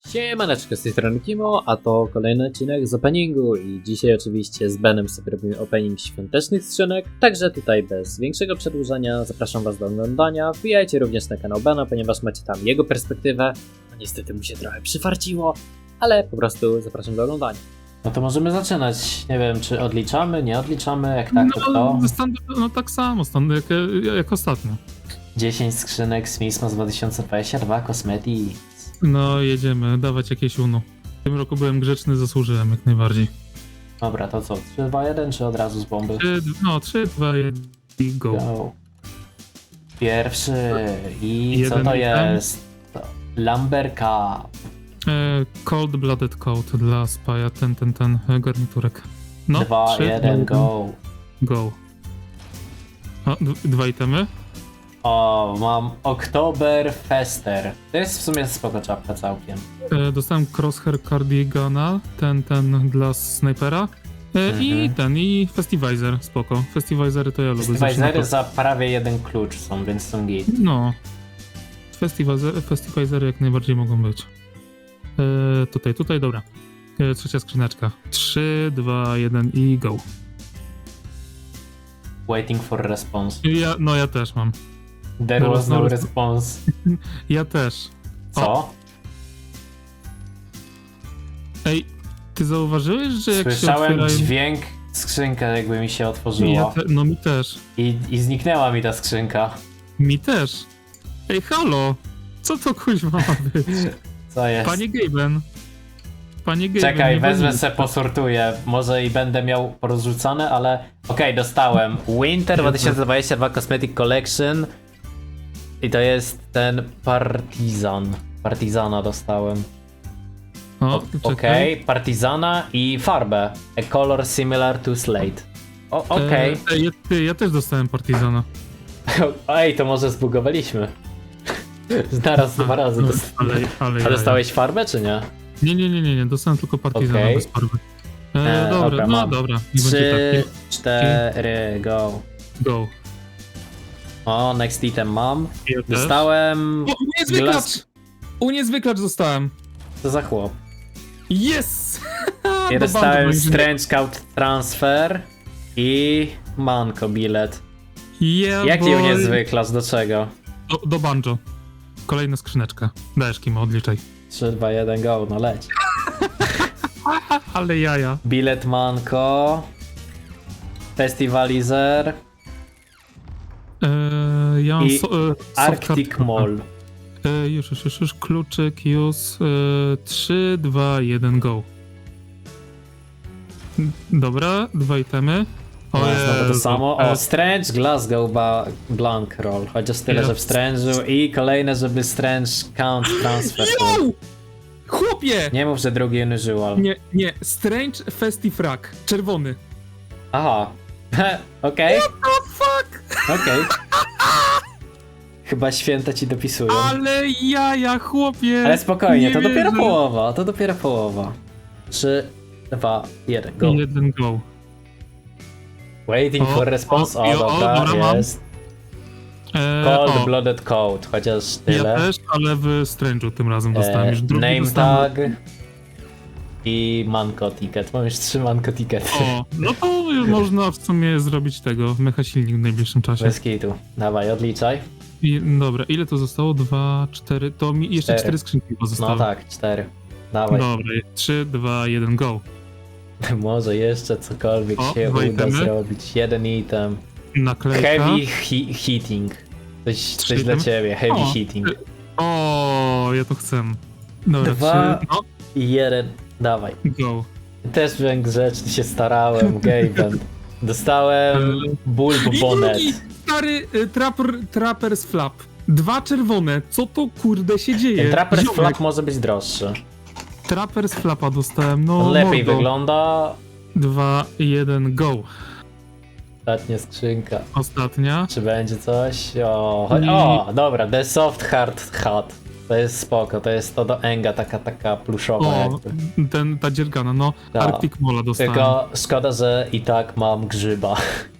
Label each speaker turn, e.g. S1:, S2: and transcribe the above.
S1: Siemaneczko, z tej strony Kimo, a to kolejny odcinek z openingu i dzisiaj oczywiście z Benem sobie robimy opening świątecznych skrzynek, także tutaj bez większego przedłużania zapraszam was do oglądania, wbijajcie również na kanał Bena, ponieważ macie tam jego perspektywę, no niestety mu się trochę przyfarciło, ale po prostu zapraszam do oglądania. No to możemy zaczynać, nie wiem czy odliczamy, nie odliczamy, jak tak to kto?
S2: No tak samo, jak ostatnio.
S1: 10 skrzynek z Mismos 2022 Cosmetics.
S2: No jedziemy, dawać jakieś UNO. W tym roku byłem grzeczny, zasłużyłem jak najbardziej.
S1: Dobra, to co, 3, 2, 1 czy od razu z bomby?
S2: 3, 2, 1 i go.
S1: Go. Pierwszy i co
S2: Jeden
S1: to
S2: item.
S1: jest? Lumber Cup.
S2: Cold Blooded Coat dla Spaja, ten garniturek. No,
S1: 2,
S2: 3,
S1: 1, go.
S2: Go. O, dwa itemy.
S1: O, mam Oktoberfester. To jest w sumie spoko czapka całkiem.
S2: Dostałem Crosshair Cardigana, ten dla snajpera. I Festivizer, spoko. Festivizery to ja lubię.
S1: Festivizery za prawie jeden klucz są, więc są git.
S2: No. Festivizery jak najbardziej mogą być. Tutaj, dobra. Trzecia skrzyneczka. 3, 2, 1 i go.
S1: Waiting for response.
S2: Ja też mam.
S1: There was no response.
S2: Ja też.
S1: Co?
S2: Ej, ty zauważyłeś, że jak
S1: Słyszałem
S2: się otwierają...
S1: dźwięk, skrzynka jakby mi się otworzyła.
S2: No mi też.
S1: I zniknęła mi ta skrzynka.
S2: Mi też. Ej, halo! Co to kuźwa ma być?
S1: Co jest?
S2: Panie Gaben.
S1: Czekaj,
S2: nie
S1: wezmę
S2: wolno.
S1: se posortuję. Może i będę miał porozrzucane, ale okej, dostałem. Winter 2022 Cosmetic Collection. I to jest ten Partizan. Partizana dostałem.
S2: O,
S1: Okej, Partizana i farbę. A color similar to slate. Okej.
S2: Ja też dostałem Partizana.
S1: Ej, to może zbugowaliśmy. Naraz, dwa razy.
S2: Ale
S1: A dostałeś farbę, czy nie?
S2: Nie, dostałem tylko Partizana
S1: Okej.
S2: bez farby.
S1: Dobra,
S2: no
S1: mam.
S2: dobra, nie będzie
S1: 3,
S2: tak.
S1: 4, go.
S2: Go.
S1: O, next item mam.
S2: Ja też.
S1: Dostałem...
S2: O, uniezwyklacz! Uniezwyklacz dostałem.
S1: Co za chłop?
S2: Yes!
S1: Ja
S2: Do
S1: dostałem
S2: bandy
S1: Strange Scout Transfer i Manko bilet.
S2: Yeah,
S1: Jaki
S2: boy.
S1: uniezwyklacz, do czego?
S2: Do banjo. Kolejna skrzyneczka. Dajesz Kimo, odliczaj.
S1: 3, 2, 1, go, no leć.
S2: Ale jaja.
S1: Bilet Manko. Festivalizer
S2: Ja mam
S1: i
S2: soft
S1: Arctic
S2: card.
S1: Mall.
S2: Już. Kluczyk, use. 3, 2, 1, go. Dobra, dwa itemy.
S1: O, znowu to
S2: Jezu.
S1: samo. O, Strange Glasgow Blank Roll. Chociaż tyle, że w Strange'u. I kolejne, żeby Strange Count Transfer.
S2: Yo! Chłopie!
S1: Nie mów, że drugi unusual.
S2: Nie. Strange Festifrag. Czerwony.
S1: Aha. Okej.
S2: Oh fuck!
S1: Okej. Chyba święta ci dopisują.
S2: Ale jaja, chłopie!
S1: Ale spokojnie,
S2: Nie
S1: to dopiero
S2: wierzę.
S1: połowa. To dopiero połowa. 3, 2, 1, go.
S2: 1 go.
S1: Waiting for response. O,
S2: dobra,
S1: dobra,
S2: mam.
S1: jest. Cold
S2: O,
S1: Blooded Code, chociaż tyle.
S2: ja też, ale w Strange'u tym razem dostałem już drugi.
S1: Name
S2: dostałem.
S1: tag i Manko ticket. Mam już 3 Manko tickety.
S2: O, no to już można w sumie zrobić tego, mecha silnik w najbliższym czasie.
S1: Bez kitu. Dawaj, odliczaj.
S2: Dobra, ile to zostało? 2, 4, to mi jeszcze 4 skrzynki pozostały.
S1: No tak, 4. Dawaj.
S2: Dobra, 3, 2, 1, go.
S1: Może jeszcze cokolwiek
S2: O,
S1: się
S2: dwa
S1: uda
S2: itemy.
S1: zrobić. Jeden item.
S2: Naklejka.
S1: Heavy heating. Coś
S2: Trzy
S1: dla
S2: itemy.
S1: ciebie. Heavy
S2: O,
S1: heating.
S2: O, ja to chcę. Dobra,
S1: 2
S2: 3, no,
S1: i 1. Dawaj.
S2: go.
S1: Też byłem grzeczny, się starałem. Gaben. Dostałem Bulb
S2: I
S1: Bonnet.
S2: drugi stary Trapper's Flap. 2 czerwone. Co to kurde się dzieje?
S1: Ten Trapper's
S2: Ziomek.
S1: Flap może być droższy.
S2: Trapper's Flapa dostałem, no
S1: On lepiej
S2: mordo.
S1: wygląda.
S2: 2, 1, go.
S1: Ostatnia skrzynka.
S2: Ostatnia.
S1: Czy będzie coś? O, dobra, The Soft Hard Hat. To jest spoko, to jest to do Enga, taka pluszowa
S2: O,
S1: jakby.
S2: ta dziergana, no.
S1: Tak.
S2: Arctic Mola dostałem.
S1: Tylko szkoda, że i tak mam grzyba.